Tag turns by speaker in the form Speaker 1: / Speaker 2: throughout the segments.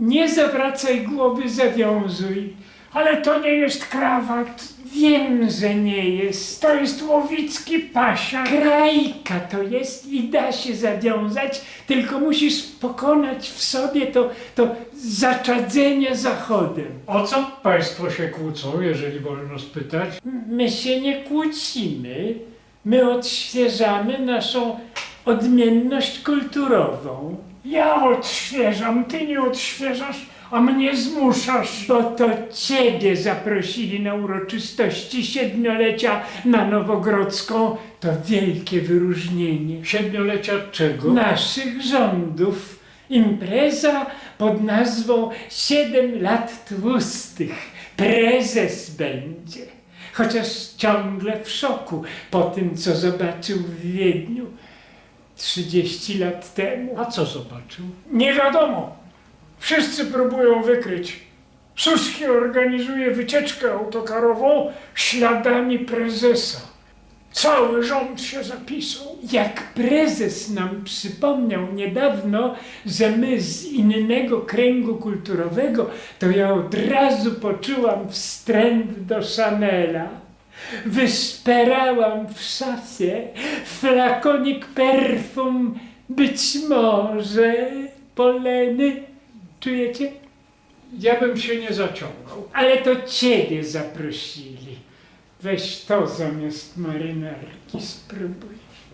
Speaker 1: Nie zawracaj głowy, zawiązuj.
Speaker 2: Ale to nie jest krawat.
Speaker 1: Wiem, że nie jest.
Speaker 2: To jest łowicki pasiak.
Speaker 1: Krajka to jest i da się zawiązać, tylko musisz pokonać w sobie to zaczadzenie zachodem.
Speaker 2: O co państwo się kłócą, jeżeli wolno spytać?
Speaker 1: My się nie kłócimy, my odświeżamy naszą odmienność kulturową.
Speaker 2: Ja odświeżam, ty nie odświeżasz, a mnie zmuszasz.
Speaker 1: Bo to ciebie zaprosili na uroczystości 7-lecia na Nowogrodzką. To wielkie wyróżnienie
Speaker 2: 7-lecia czego?
Speaker 1: naszych rządów. Impreza pod nazwą 7 lat tłustych. Prezes będzie. Chociaż ciągle w szoku po tym, co zobaczył w Wiedniu 30 lat temu.
Speaker 2: A co zobaczył?
Speaker 3: Nie wiadomo. Wszyscy próbują wykryć. Suski organizuje wycieczkę autokarową śladami prezesa. Cały rząd się zapisał.
Speaker 1: Jak prezes nam przypomniał niedawno, że my z innego kręgu kulturowego, to ja od razu poczułam wstręt do Chanela. Wyszperałam w szafie flakonik perfum, być może poleny. Czujecie?
Speaker 2: Ja bym się nie zaciągał.
Speaker 1: Ale to ciebie zaprosili. Weź to zamiast marynarki, spróbuj.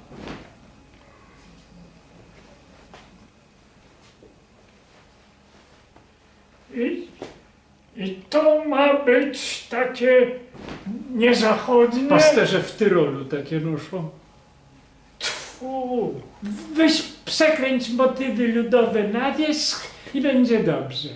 Speaker 3: I to ma być takie niezachodnie.
Speaker 2: Pasterze w Tyrolu takie noszą.
Speaker 3: Tfu.
Speaker 1: Weź przekręć motywy ludowe na wierzch i będzie dobrze.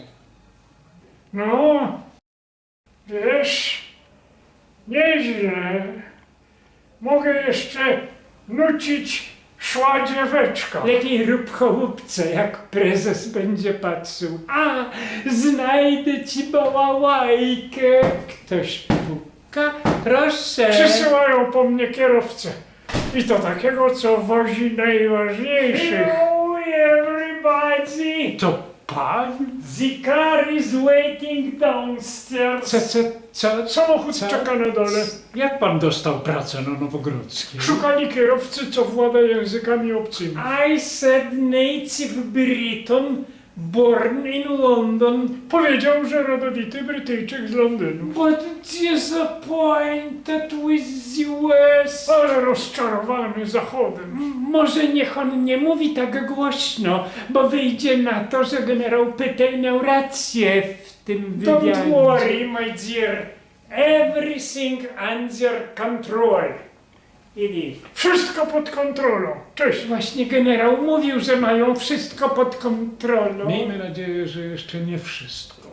Speaker 3: No, wiesz, nieźle. Mogę jeszcze nucić szła dzieweczka.
Speaker 1: Lepiej rób chołupce, jak prezes będzie patrzył. A, znajdę ci bałałajkę. Ktoś puka? Proszę.
Speaker 3: Przysyłają po mnie kierowcę. I to takiego, co wozi najważniejszych.
Speaker 1: Hello everybody.
Speaker 2: To pan?
Speaker 1: The car is waiting downstairs. Co?
Speaker 3: Samochód
Speaker 1: Co?
Speaker 3: czeka na dole.
Speaker 2: Jak pan dostał pracę na Nowogrodzkiej?
Speaker 3: Szukali kierowcy, co włada językami obcymi.
Speaker 1: I said native Briton, born in London,
Speaker 3: Powiedział, że rodowity Brytyjczyk z Londynu.
Speaker 1: but disappointed with the US.
Speaker 3: Ale rozczarowany Zachodem.
Speaker 1: Może niech on nie mówi tak głośno, bo wyjdzie na to, że generał Pytel miał rację w tym wywiadzie.
Speaker 3: Don't worry, my dear.
Speaker 1: Everything under control. Idi.
Speaker 3: Wszystko pod kontrolą. Cześć.
Speaker 1: Właśnie generał mówił, że mają wszystko pod kontrolą.
Speaker 2: Miejmy nadzieję, że jeszcze nie wszystko.